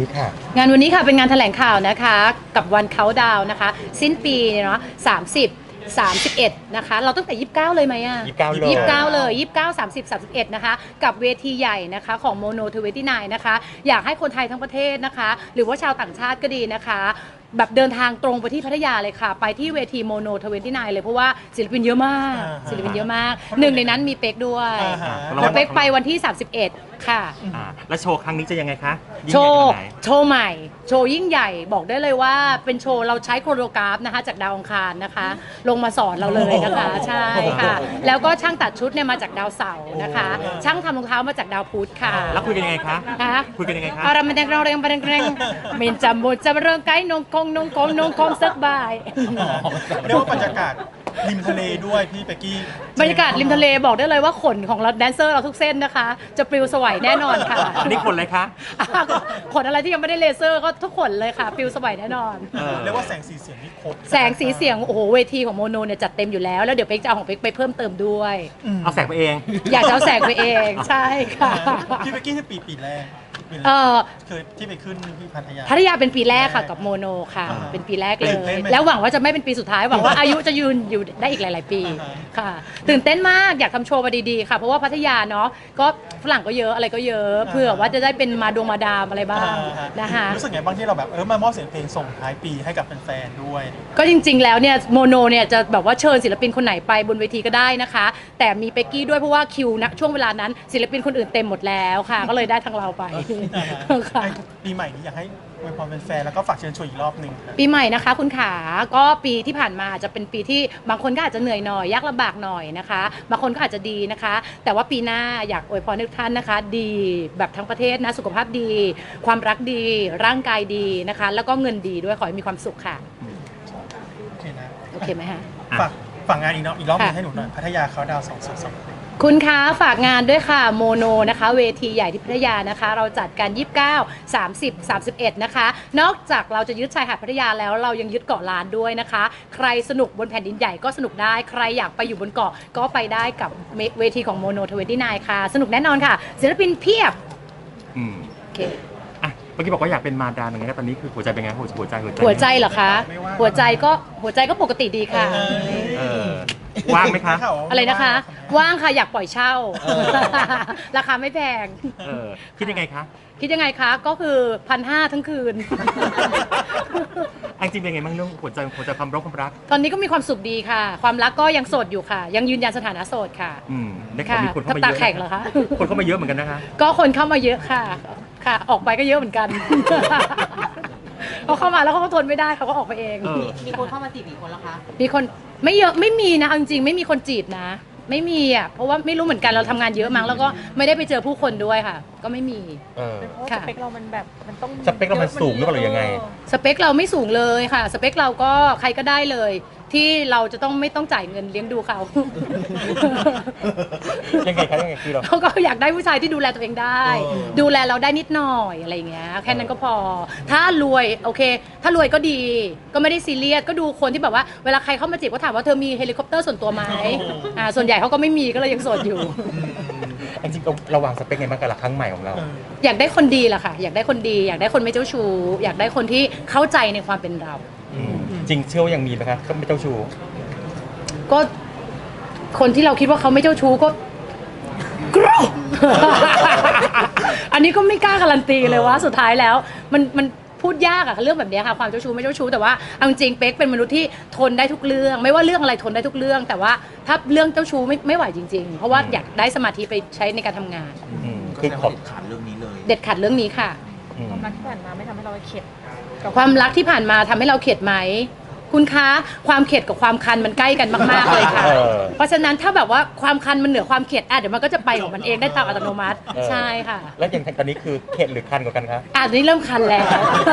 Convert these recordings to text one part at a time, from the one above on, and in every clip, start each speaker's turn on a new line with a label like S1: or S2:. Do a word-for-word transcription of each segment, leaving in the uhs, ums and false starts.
S1: ค่ะ
S2: งานวันนี้ค่ะเป็นงานแถลงข่าวนะคะกับวันเขาดาวนะคะสิ้นปีเนาะสามสิบ สามสิบเอ็ดนะคะเราตั้งแต่ยี่สิบเก้าเลยไหมอ่ะ
S1: ยี่สิบเก้าเลย
S2: ยี่สิบเก้าเลยยี่สิบเก้า สามสิบ สามสิบเอ็ดนะคะกับเวทีใหญ่นะคะของโมโนทเวนตี้ไนน์นะคะอยากให้คนไทยทั้งประเทศนะคะหรือว่าชาวต่างชาติก็ดีนะคะแบบเดินทางตรงไปที่พัทยาเลยค่ะไปที่เวทีโมโนทเวนตี้ไนน์เลยเพราะว่าศิลปินเยอะมากศิลปินเยอะมากหนึ่งในนั้นมีเป๊กด้วยแล้วเป๊กไปวันที่ สามสิบเอ็ด ค่ะ
S1: อ่าแล้วโชว์ครั้งนี้จะยังไงคะยิ่ง
S2: โช
S1: ใหญ่
S2: ว์
S1: ขนาดไหน
S2: โชว์ใหม่ โชว์ยิ่งใหญ่บอกได้เลยว่าเป็นโชว์เราใช้โคโรกราฟนะคะจากดาวอังคารนะคะ ลงมาสอนเราเลยนะคะใช่ค่ะ แล้วก็ช่างตัดชุดเนี่ยมาจากดาวเสาร์นะคะ ช่างทำรองเท้ามาจากดาวพุธค่ะ
S1: แล้วคุยกันยังไงคะ
S2: ฮะ
S1: คุยกันยังไงคะ
S2: อารามันแดงเราเรียงบันแรงเมนจำบุจำเริงไก่นงกงนงกงนงกงสักบาย
S3: เรียกว่าบรรยากาศริมทะเลด้วยพี่เป๊กกี้
S2: บรรยากาศริมทะเลบอกได้เลยว่าขนของเราแดนเซอร์เราทุกเส้นนะคะ จะปลิวสวัยแน่นอนค่ะ
S1: อันนี้คนเลยคะ
S2: ขนอะไรที่ยังไม่ได้เลเซอร์ก็ทุกขนเลยค่ะปลิวสวัยแน่นอน
S1: เออ
S3: เรียกว่าแสงสีเสียงนี่ครบ
S2: แสงสีเสียงโอ้โหเวทีของโมโนเนี่ยจัดเต็มอยู่แล้วแล้วเดี๋ยวเป๊กจะเอาของเป๊กไปเพิ่มเติมด้วย
S1: เอาแสงไปเอง
S2: อยากจะเอาแสงไปเองใช่ค่ะ
S3: พี่เป๊กกี้ที่ปีปีแรกปีแร
S2: เอก อ
S3: คือที่ไปขึ้นที่พัทยา
S2: พัทยาเป็นปีแรกค่ะกับโมโนค่ะ
S3: อ่า
S2: เป็นปีแรกเล
S3: ตื่นเต้
S2: ย
S3: นไหม
S2: แล้วหวังว่าจะไม่เป็นปีสุดท้ายหวังว่าอายุจะยืนอยู่ได้อีกหลาย ๆ ปี
S3: อ่าฮะ
S2: ค่ะ ตื่นเต้นมากอยากทำโชว์มาดีๆค่ะเพราะว่าพัทยาเนาะก็ฝรั่งก็เยอะอะไรก็เยอะเพื่อว่าจะได้เป็นมาดวงมาดามอะไรบ้าง
S3: อ่า
S2: นะคะ
S3: รู้สึกไงบ้างที่เราแบบเออมามอบเสียงเพลงส่งท้ายปีให้กับแฟนๆด้วย
S2: ก็จริงๆ แล้วเนี่ยโมโนเนี่ยจะแบบว่าเชิญศิลปินคนไหนไปบนเวทีก็ได้นะคะ แต่มีเป็กกี้ด้วยเพราะว่าคิวนะช่วงเวลานั้นศิลปินคนอื่นเต็มหมดแล้วค่ะ ก็เลยได้ทางเราไปค่ะ
S3: ปีใหม่นี้อยากให้อวยพรแฟนๆแล้วก็ฝากเชิญชวนอีกรอบหนึ่งครับ
S2: ปีใหม่นะคะคุณขาก็ปีที่ผ่านมาจะเป็นปีที่บางคนก็อาจจะเหนื่อยหน่อยยากลำบากหน่อยนะคะบางคนก็อาจจะดีนะคะ แต่ว่าปีหน้าอยากอวยพรให้ทุกท่านนะคะ ดีแบบทั้งประเทศนะสุขภาพดี ความรักดี ร่างกายดีนะคะ แล้วก็เงินดีด้วยขอให้มีความสุขค่ะ
S3: โอเคนะ
S2: โอเคไหมฮะ
S3: ฝากฝากงานอีกรอบอีกรอบหนึง
S2: ค่ะ
S3: ให้หนูหน่อยพัทยาเขาดาวสองศูนย์สอง
S2: คุณคะฝากงานด้วยค่ะโมโนนะคะเวทีใหญ่ที่พัทยานะคะ เราจัดกัน ยี่สิบเก้า สามสิบ สามสิบเอ็ด นะคะ นอกจากเราจะยึดชายหาดพัทยาแล้วเรายังยึดเกาะล้านด้วยนะคะ ใครสนุกบนแผ่นดินใหญ่ก็สนุกได้ใครอยากไปอยู่บนเกาะก็ไปได้กับเวทีของโมโนทเวนตี้ไนน์ค่ะ สนุกแน่นอนค่ะ ศิลปินเพียบ
S1: อืม
S2: โอเค
S1: อ่ะเมื่อกี้บอกว่าอยากเป็นมาดามยังไงนะตอนนี้คือหัวใจเป็นไงหัวหัวใจหัวใจ
S2: หัวใจเหรอคะ หัวใจก็หัวใจก็ปกติดีค่ะ
S1: เออว่างไหมคะ
S2: อะไรนะคะ ว่างค่ะอยากปล่อยเช่า ราคาไม่แพง
S1: เออคิดยังไงคะ
S2: คิดยังไงคะก็คือพันห้าทั้งคืน
S1: อันจริงเป็นไงบ้างเรื่องหัวใจหัวใจความรักความรัก
S2: ตอนนี้ก็มีความสุขดีค่ะ ความรักก็ยังโสดอยู่ค่ะ ยังยืนยันสถานะโสดค่ะ
S1: อืมได้ข่าว
S2: ค่ะ
S1: มีคนเข้ามา
S2: ตา
S1: เยอะ
S2: แข็งเหรอคะ
S1: คนเข้ามาเยอะเหมือนกันนะคะ
S2: ก็คนเข้ามาเยอะค่ะ ค่ะ ออกไปก็เยอะเหมือนกัน เขาเข้ามาแล้วเขาก็ทนไม่ได้เขาก็ออกไปเอง
S1: เออ
S4: มีคนเข้ามาจีบกี่คนแล้วคะ
S2: มีคนไม่เยอะไม่มีนะเอาจริงๆไม่มีคนจีบนะ ไม่มีอ่ะเพราะว่าไม่รู้เหมือนกันเราทำงานเยอะมั้งแล้วก็ไม่ได้ไปเจอผู้คนด้วยค่ะ ก็ไม่มี
S1: เออ
S4: เพราะว่า
S2: ค่ะ
S4: สเปคเรามันแบบมันต้อง
S1: สเปคเรามันสูงหรือเปล่าหรือยังไง
S2: สเปคเราไม่สูงเลยค่ะ สเปคเราก็ใครก็ได้เลย ที่เราจะต้องไม่ต้องจ่ายเงินเลี้ยงดูเขา
S1: ยังไงคะยังไงคือเรา
S2: เขาก็อยากได้ผู้ชายที่ดูแลตัวเองได้ ดูแลเราได้นิดหน่อยอะไรอย่างเงี้ยแค่นั้นก็พอ ถ้ารวยโอเค ถ้ารวยก็ดี ก็ไม่ได้ซีเรียสก็ดูคนที่แบบว่าเวลาใครเข้ามาจีบก็ถามว่าเธอมีเฮลิคอปเตอร์ส่วนตัวไหมอ่าส่วนใหญ่เขาก็ไม่มีก็เลยยังโสดอยู่
S1: จริงๆเราเราวางสเปคไงบ้างกับหลักครั้งใหม่ของเรา
S2: อยากได้คนดีแหละค่ะ อยากได้คนดี อยากได้คนไม่เจ้าชู้อยากได้คนที่เข้าใจในความเป็นเรา
S1: อืมจริงเชื่อว่ายังมีไหมครับก็ไม่เจ้าชู้
S2: ก็คนที่เราคิดว่าเขาไม่เจ้าชู้ก็ กรูอันนี้ก็ไม่กล้าการันตีเลยว่าสุดท้ายแล้ว มันมันพูดยากอะเรื่องแบบนี้ค่ะความเจ้าชู้ไม่เจ้าชู้แต่ว่าเอาจริงเป๊กเป็นมนุษย์ที่ทนได้ทุกเรื่อง ไม่ว่าเรื่องอะไรทนได้ทุกเรื่อง แต่ว่าถ้าเรื่องเจ้าชู้ไม่ไม่ไหวจริง ๆ เพราะว่าอยากได้สมาธิไปใช้ในการทำงาน
S1: อืม
S5: ก็
S1: คือ
S5: แสดง
S1: ขอ
S5: ว่า
S1: บ
S5: เด็ดขาดเรื่องนี้เลย
S2: เด็ดขาดเรื่องนี้ค่ะ
S1: อืม
S4: ความรักที่ผ่านมาไม่ทำให้เราเข็ดกับ
S2: ความรักที่ผ่านมาทำให้เราเข็ดไหมคุณคะความเข็ดกับความคันมันใกล้กันมากๆเลยค่ะ
S1: เออ
S2: เพราะฉะนั้นถ้าแบบว่าความคันมันเหนือความเข็ดอ่ะเดี๋ยวมันก็จะไปของมันเองได้ตามอัตโนมัติ
S1: เออ
S2: ใช่ค่ะ
S1: แล้วอย่างตอนนี้คือเข็ดหรือคันกว่ากันคะ
S2: อ่ะนี่เริ่มคันแล้ว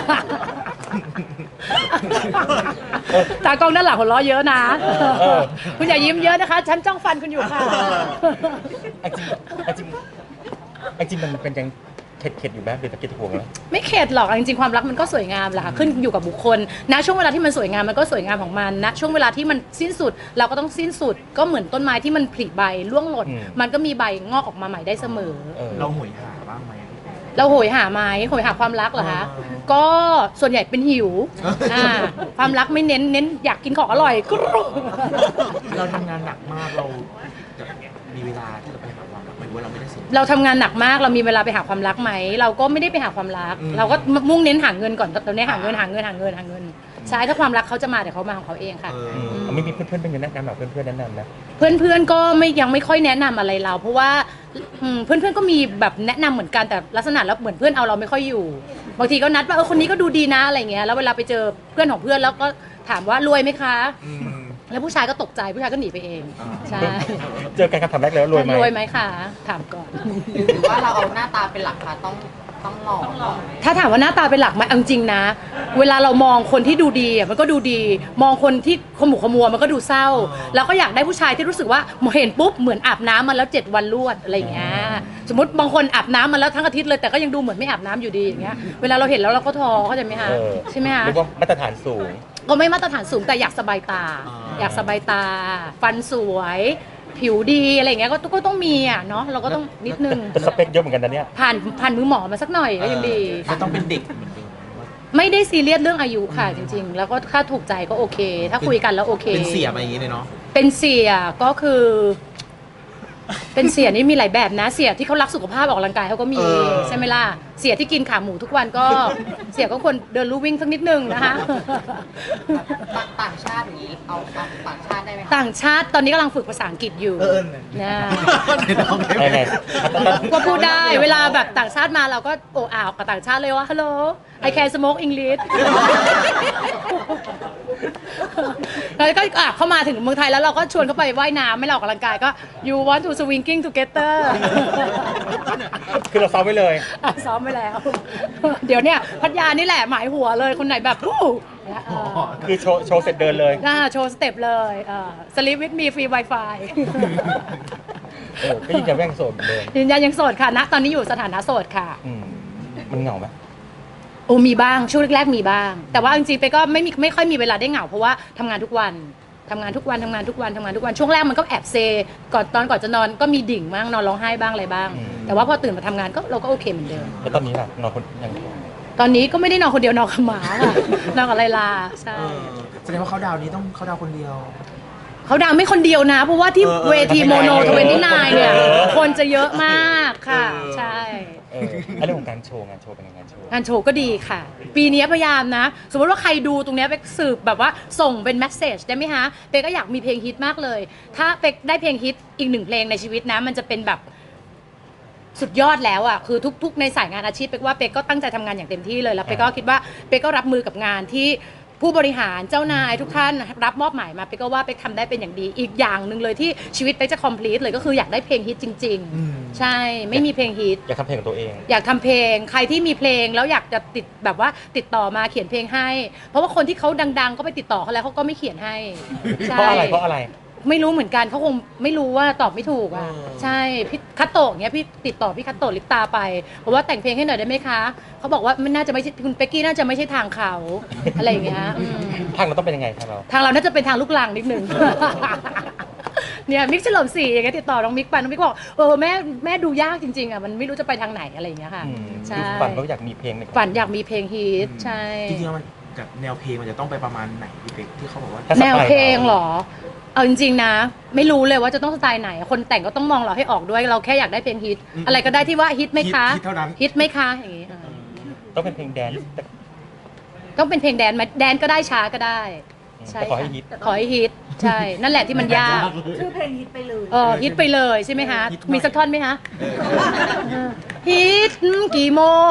S2: ตากล้องด้านหลังหัวเราะเยอะนะ
S1: เออ
S2: คุณอย่ายิ้มเยอะนะคะ ฉันจ้องฟันคุณอยู่ค่ะ
S1: อันจริงอันจริงอันจริงมันเป็นยังเข็ดเข็ดอยู่ไหมเป็นตะเกียบตะกวงแล้ว
S2: ไม่เข็ดหรอกจริงๆความรักมันก็สวยงามแหละค่ะขึ้นอยู่กับบุคคลนะช่วงเวลาที่มันสวยงามมันก็สวยงามของมันนะช่วงเวลาที่มันสิ้นสุด เราก็ต้องสิ้นสุดก็เหมือนต้นไม้ที่มันผลิใบร่วงหล่น
S1: อืม
S2: มันก็มีใบงอกออกมาใหม่ได้เสมอ
S1: เออ
S5: เราหวยหาบ้างไหม
S2: หเราโหยหาไหมโหยหาความรักเหรอคะก็ส่วนใหญ่เป็นหิวอ่าความรักไม่เน้นเน้นอยากกินของอร่อยกรุ๊ป
S5: เราทำงานหนักมากเราจะมีเวลาที่จะไปหาความรักไหมว่าเราไม่ได้สิ
S2: เราทำงานหนักมากเรามีเวลาไปหาความรักไหมเราก็ไม่ได้ไปหาความรัก
S5: อืม
S2: เราก็มุ่งเน้นหาเงินก่อนตอนนี้หาเงินหาเงินหาเงินหาเงินใช่ถ้าความรักเขาจะมาเดี๋ยวเขามาของเขาเองค่ะ
S5: เออ
S1: อืมไม่มีเพื่อนๆเป็นยังแนะนำแบบเพื่อนๆแนะนำนะ
S2: เพื่อนๆก็ไม่ยังไม่ค่อยแนะนำอะไรเรา เพราะว่าอืมเพื่อนๆก็มีแบบแนะนำเหมือนกันแต่ลักษณะแล้วเหมือนเพื่อนเอาเราไม่ค่อยอยู่บางทีก็นัดว่าเออคนนี้ก็ดูดีนะอะไรเงี้ยแล้วเวลาไปเจอเพื่อนของเพื่อนแล้วก็ถามว่ารวยไหมคะ
S5: อืม
S2: แล้วผู้ชายก็ตกใจผู้ชายก็หนีไปเอง
S5: อ่า
S2: ใช่
S1: เจอกันคำถามแรกเลยว่ารวยไหม
S2: รวยไหมคะถามก่อน
S4: หรือว่าเราเอาหน้าตาเป็นหลักคะต้องต้องหล่อต้องหล่อ
S2: ถ้าถามว่าหน้าตาเป็นหลักไหมเอาจริงนะ เวลาเรามองคนที่ดูดีอ่ะมันก็ดูดี มองคนที่ขมุกขมัวมันก็ดูเศร้า แล้วก็อยากได้ผู้ชายที่รู้สึกว่าเห็นปุ๊บเหมือนอาบน้ำมาแล้วเจ็ดวันรวดอะไรอย่างเงี้ยสมมติบางคนอาบน้ำมาแล้วทั้งอาทิตย์เลยแต่ก็ยังดูเหมือนไม่อาบน้ำอยู่ดีอย่างเงี้ยเวลาเราเห็นแล้วเราก็ท้อเข้าใจไหมคะ
S1: เออ
S2: ใช่ไหมคะ
S1: เรียกว่ามาตรฐานสูง
S2: ก็ไม่มาตรฐานสูงแต่อยากสบายตา
S5: อ่า
S2: อยากสบายตา ฟันสวย ผิวดีอะไรอย่างเงี้ยก็ก็ต้องมีอ่ะเนาะเราก็ต้องนิดนึง
S1: แต่สเปคเยอะเหมือนกันนะเนี่ย
S2: ผ่านผ่านมือหมอมาสักหน่อยก็ยังดี
S5: ไม่ต้องเป็นเด็กเหมือนเดิม
S2: ไม่ได้ซีเรียสเรื่องอายุค่ะจริง ๆ แล้วก็ถ้าถูกใจก็โอเค ถ้าคุยกันแล้วโอเค
S5: เป็นเสียมาอย่างนี้เลยเนาะ
S2: เป็นเสียก็คือ เป็นเสียนี่มีหลายแบบนะ เสียที่เขารักสุขภาพออกกำลังกายเขาก็มี
S5: เออ
S2: ใช่ไหมล่ะเสียที่กินขาหมูทุกวันก็ เสียก็ควรเดินลู่วิ่งสักนิดนึงนะคะ
S4: ต่างต่างชาติอย่างนี้เอาเอาต่างชาติได้ไหมคะ
S2: ต่างชาติตอนนี้กำลังฝึกภาษาอังกฤษอยู่
S5: เออ
S2: นะ
S5: ไหนลองได้ไหม
S1: ไงไง
S2: ก็พูดได้เวลาแบบต่างชาติมาเราก็โอ้อ่าวกับต่างชาติเลยว่า hello I can smoke English แล้วก็อ่ะเข้ามาถึงเมืองไทยแล้วเราก็ชวนเขาไปว่ายน้ำไม่เราออกกำลังกายก็ you want to swinging together
S1: คือเราซ้อมไว้เลย
S2: อ่ะซ้อมไปแล้ว เดี๋ยวเนี่ยพัทยานี่แหละหมายหัวเลยคนไหนแบบอู้เนี่ยเออ
S1: คือโชว์โชว์เสร็จเดินเลย
S2: น่าโชว์สเต็ปเลยเออ sleep with me free wifi
S1: เออก็ยืนยันว่ายังโสดเหมือนเดิม
S2: ยืนยันยังโสดค่ะณตอนนี้อยู่สถานะโสดค่ะ
S1: อืมมันเหงาไหม
S2: โอ้มีบ้างช่วงแรกๆมีบ้าง แต่ว่าจริงๆไปก็ไม่มีไม่ค่อยมีเวลาได้เหงาเพราะว่าทำงานทุกวันทำงานทุกวันทำงานทุกวันทำงานทุกวันช่วงแรกมันก็แอบเซก่อนตอนก่อนจะนอนก็มีดิ่งบ้างนอนร้องไห้บ้างอะไรบ้าง แต่ว่าพอตื่นมาทำงานก็เราก็โอเคเหมือนเดิม
S1: แล้วตอนนี้ล่ะนอนคนยัง
S2: ตอนนี้ก็ไม่ได้นอนคนเดียวนอนกับหมาค่ะ นอนกับไลลาใช่
S5: เออแสดงว่าเขาดาวนี้ต้องเขาดาวคนเดียว
S2: เขาดังไม่คนเดียวนะ เพราะว่าที่
S5: เออเออ
S2: เวทีโมโนทเวนตี้นเนี่ย
S1: เออ
S2: คนจะเยอะมากค่ะ
S5: เออ
S2: ใช่
S1: เอออันเรื่องของการโชว์งานโชว์เป็นยังไงงานโชว์
S2: งานโชว์ก็ดีค่ะ ปีนี้พยายามนะ สมมติว่าใครดูตรงเนี้ยเป๊กสืบแบบว่าส่งเป็นแมสเซจได้ไหมฮะเป๊กก็อยากมีเพลงฮิตมากเลย ถ้าเป๊กได้เพลงฮิตอีกหนึ่งเพลงในชีวิตนะ มันจะเป็นแบบสุดยอดแล้วอ่ะคือทุกๆในสายงานอาชีพเป๊กว่าเป๊กก็ตั้งใจทำงานอย่างเต็มที่เลยแล้วเป๊กก็คิดว่าเป๊กก็รับมือกับงานที่ผู้บริหารเจ้านายทุกท่านรับมอบหมายมาเป๊กก็ว่าเป๊กทำได้เป็นอย่างดี อีกอย่างหนึ่งเลยที่ชีวิตเป๊กจะ complete เลยก็คืออยากได้เพลงฮิตจริง
S5: อืม
S2: ๆ ใช่ไม่มีเพลงฮิต
S1: อยากทำเพลงของตัวเอง
S2: อยากทำเพลงใครที่มีเพลงแล้วอยากจะติดแบบว่าติดต่อมาเขียนเพลงให้ เพราะว่าคนที่เขาดัง ๆ ก็ไปติดต่อเขาแล้วเขาก็ไม่เขียนให้ใช่
S1: เพราะอะไรเพราะอะไร
S2: ไม่รู้เหมือนกันเขาคงไม่รู้ว่าตอบไม่ถูกอ่ะ
S5: เออ
S2: ใช่พี่คัตโตะเนี้ยพี่ติดต่อพี่คัตโตะลิปตาไปบอกว่าแต่งเพลงให้หน่อยได้ไหมคะเขาบอกว่ามันน่าจะไม่ใช่คุณเป๊กกี้น่าจะไม่ใช่ทางเขาอะไรอย่างเงี้ยอืม
S1: ทางเราต้องเป็นยังไงทางเรา
S2: ทางเราน่าจะเป็นทางลูกลังนิดนึง เนี่ยมิกเฉลิมศรีอย่างเงี้ยติดต่อน้องมิกไปน้องมิกบอกเออแม่แม่ดูยากจริงๆอ่ะมันไม่รู้จะไปทางไหนอะไรอย่างเงี้ยค่ะ
S1: อืม
S2: ใช่
S1: คือฝันก็อยากมีเพลงใน
S2: ฝันอยากมีเพลงฮิตใช่
S5: จริงๆแล้วมันกับแนวเพลงมันจะต้องไปประมาณไหนพี่เป็กที่เขาบอกว่า
S1: ถ้าสไตล์
S2: แนวเพลงเหรอ เอาจริงๆนะ ไม่รู้เลยว่าจะต้องสไตล์ไหน คนแต่งก็ต้องมองเราให้ออกด้วย เราแค่อยากได้เพลงฮิต
S5: อืม
S2: อะไรก็ได้ที่ว่าฮิตไหมคะ
S5: ฮิตเท่านั้น
S2: ฮิตไหมคะอย่างงี้เออ
S1: ต้องเป็นเพลงแดนซ์แต่
S2: ต้องเป็นเพลงแดนซ์ไหมแดนซ์ก็ได้ช้าก็ได้ ใช่
S1: แต่ขอให้ฮิต
S2: ขอให้ฮิต ใช่ นั่นแหละที่มันยาก
S4: ชื่อเพลงฮิตไปเลย
S2: เออฮิตไปเลยใช่ไหมคะ
S5: ฮิตหน่อย
S2: มีสักท่อนไหมคะฮิตกี่โมง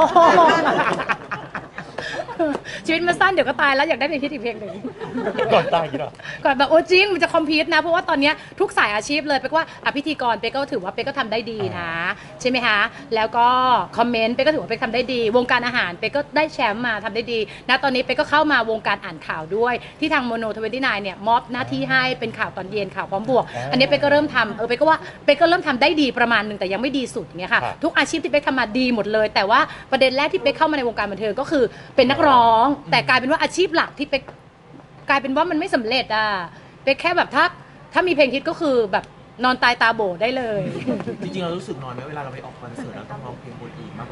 S2: ชีวิตมันสั้นเดี๋ยวก็ตายแล้วอยากได้เพลงฮิตอีกเพลงหนึ่ง
S1: ก่อนตายอย่างนี้เหรอ
S2: ก่อนแบบโอ้จริงมันจะคอมพีทนะเพราะว่าตอนเนี้ยทุกสายอาชีพเลยเป๊กว่าอ่ะพิธีกรเป๊กก็ถือว่าเป๊กก็ทำได้ดีนะ ใช่ไหมคะแล้วก็คอมเมนต์เป๊กก็ถือว่าเป๊กทำได้ดี วงการอาหารเป๊กก็ได้แชมป์มาทำได้ดีนะตอนนี้เป๊กก็เข้ามาวงการอ่านข่าวด้วยที่ทางโมโนทเวนตี้ไนน์เนี่ยมอบหน้าที่ให้เป็นข่าวตอนเย็นข่าวพร้อมบวก
S1: อ่า
S2: อันนี้เป๊กก็เริ่มทำเออเป๊กก็ว่าเป๊กก็เริ่มทำได้ดีประมาณหนึ่งแต่ยังไม่ดีสุดอย่างเงี้ยค่ะ
S1: ครับ
S2: ทุกอาชีพที่เป๊กทำมาดีหมดเลย แต่ว่าประเด็นแรกที่เป๊กเข้ามาในวงการบันเทิงก็คือเป็นนักร้อง แต่กลายเป็นว่าอาชีพหลักที่เป๊กกลายเป็นว่ามันไม่สำเร็จอ่ะเป๊กแค่แบบถ้าถ้ามีเพลงฮิตก็คือแบบนอนตายตาโบได้เลย
S5: จริงๆเรารู้สึกน้อยไหมเวลาเราไปออกคอนเสิร์ตแล้วต้องร้องเพลงคนอื่นมากกว่าเพลงตัวเอง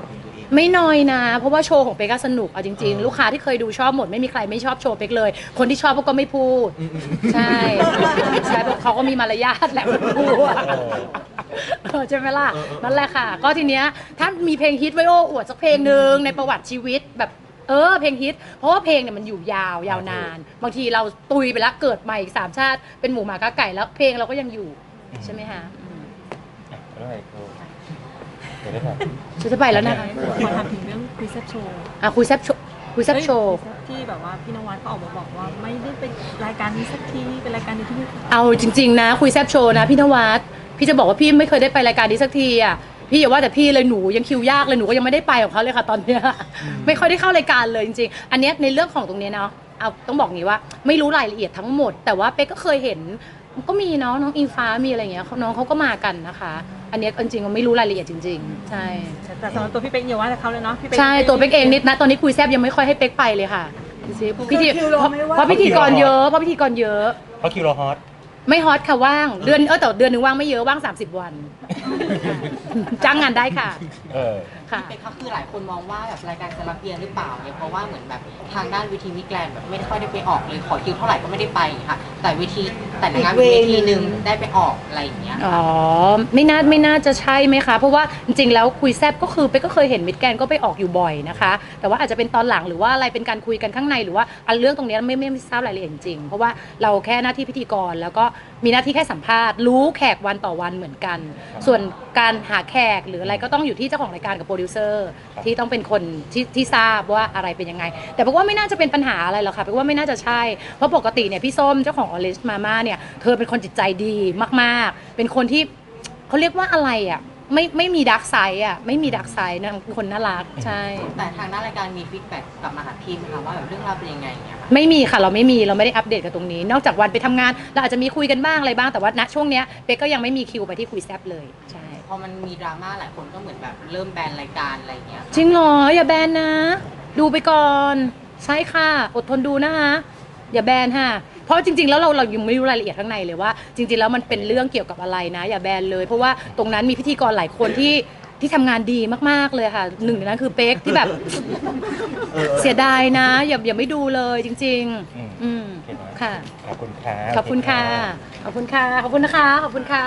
S2: ไม่น้อยนะ เพราะว่าโชว์ของเป๊กก็สนุกเอาจริงๆ ลูกค้าที่เคยดูชอบหมดไม่มีใครไม่ชอบโชว์เป๊กเลย คนที่ชอบเขาก็ไม่พูด ใช่ใช่เพราะเขาก็มีมารยาทแหละไม่พูดอะเออใช่ไหมล่ะนั่นแหละค่ะ ก็ทีเนี้ยถ้ามีเพลงฮิตไว้โอ้อวดสักเพลงหนึ่งในประวัติชีวิตแบบเออเพลงฮิต เพราะว่าเพลงเนี่ยมันอยู่ยาวยาวนาน บางทีเราตุยไปแล้วเกิดใหม่อีกสามชาติเป็นหมูหมากาไก่แล้วเพลงเราก็ยังอยู่ใช่ไหมคะอืม
S1: อ่ะแล้วไงครูเดี๋ยวได้ครับ
S2: ฉันจะไปแล้วนะคะ
S6: ขอถามถึงเรื่องคุยแซบโชว์
S2: อ่ะคุยแซบโชว์คุยแซบโชว์
S6: ที่แบบว่าพี่นวัดเขาออกมาบอกว่าไม่ได้เป็นรายการนี้สักทีเป็นรายการนี้ที่ไม่
S2: เอาจริงๆนะคุยแซบโชว์นะพี่นวัดพี่จะบอกว่าพี่ไม่เคยได้ไปรายการนี้สักทีอ่ะพี่อย่าว่าแต่พี่เลยหนูยังคิวยากเลยหนูก็ยังไม่ได้ไปของเขาเลยค่ะตอนเนี้ยไม่ค่อยได้เข้ารายการเลยจริงๆอันเนี้ยในเรื่องของตรงเนี้ยเนาะเอาต้องบอกงี้ว่าไม่รู้รายละเอียดทั้งหมด แต่ว่าเป๊กก็เคยเห็นก็มีเนาะน้องอิงฟ้ามีอะไรอย่างเงี้ยน้องเขาก็มากันนะคะ อันเนี้ยจริงๆก็ไม่รู้รายละเอียดจริง ๆ ใช่
S6: แต่สำหรับตัวพี่เป๊กอย่าว่าแต่เขาเลยเนาะพี่เป๊ก
S2: ใช่ตัวเป๊กเองนิดนะตอนนี้คุยแซบยังไม่ค่อยให้เป๊กไปเลยค่ะดูสิพิธี
S6: คิวเราไม่ว่าง
S2: เพราะพิธีกรเยอะเพราะพิธีกรเยอะ
S1: เพราะคิวเราฮอต
S2: ไม่ฮอตค่ะว่างเดือนเออแต่เดือนหนึ่งว่างไม่เยอะว่างสามสิบวันจ้างงานได้ค่ะ
S1: เออ
S2: ค่ะ
S4: เป็นก็คือหลายคนมองว่าแบบรายการจะรับเบียนหรือเปล่าเนี่ยเพราะว่าเหมือนแบบทางด้านเวทีมิสแกรนด์แบบไม่ค่อยได้ไปออกเลยขอคิวเท่าไหร่ก็ไม่ได้ไปค่ะแต่เวทีแต่ในงานเวทีหนึ่งได้ไปออกอะไรอย่างเงี้ย
S2: อ๋อไม่น่าไม่น่าจะใช่ไหมคะ เพราะว่าจริงๆแล้วคุยแซบก็คือเป๊กก็เคยเห็นมิดแกนก็ไปออกอยู่บ่อยนะคะ แต่ว่าอาจจะเป็นตอนหลังหรือว่าอะไรเป็นการคุยกันข้างในหรือว่าอันเรื่องตรงเนี้ยไม่ไม่ไม่ทราบรายละเอียดจริงๆเพราะว่าเราแค่หน้าที่พิธีกรแล้วก็มีหน้าที่แค่สัมภาษณ์รู้แขกวันต่อวันเหมือนกัน ส่วนการหาแขกหรืออะไรก็ต้องอยู่ที่เจ้าของรายการกับโปรดิวเซอร์ที่ต้องเป็นคนที่ที่ทราบว่าอะไรเป็นยังไง แต่เพราะว่าไม่น่าจะเป็นปัญหาอะไรหรอกค่ะเพราะว่าไม่น่าจะใช่เพราะปกติเนี่ยพี่ส้มเจ้าของออริสมาม่าเนี่ยเธอเป็นคนจิตใจดีมากๆ เป็นคนที่เขาเรียกว่าอะไรอ่ะไม่ไม่มีดักไซด์อ่ะไม่มีดักไซด์นะคนน่ารักใช่
S4: แต่ทางด้านรายการมีฟีดแบ็กกลับมาหาทีมไหมคะว่าแบบเรื่องราวเป็นยังไงอย่างเงี้ยค่ะ
S2: ไม่มีค่ะเราไม่มีเราไม่ได้อัปเดตกันตรงนี้ นอกจากวันไปทำงานเราอาจจะมีคุยกันบ้างอะไรบ้างแต่ว่าณช่วงเนี้ยเป๊กก็ยังไม่มีคิวไปที่คุยแซบเลยใช่
S4: พอมันมีดราม่าหลายคนก็เหมือนแบบเริ่มแบนรายการอะไรอย่างเงี้ย
S2: จริงเหรออย่าแบนนะ ดูไปก่อนใช่ค่ะอดทนดูนะคะอย่าแบนค่ะเพราะจริงๆแล้วเราเรายังไม่รู้รายละเอียดข้างในเลยว่า จริงๆแล้วมันเป็นเรื่องเกี่ยวกับอะไรนะ อย่าแบนเลย เพราะว่าตรงนั้นมีพิธีกรหลายคนที่ที่ทำงานดีมากๆเลยค่ะหนึ่งในนั้นคือเป๊กที่แบบเสียดายนะอย่าอย่าไม่ดูเลยจริง
S1: อืม
S2: ๆ อืม
S1: โอเคนะ
S2: ค่ะ
S1: ขอบคุณค่ะ
S2: ขอบคุณค่ะขอบคุณค่ะขอบคุณนะคะขอบคุณค่ะ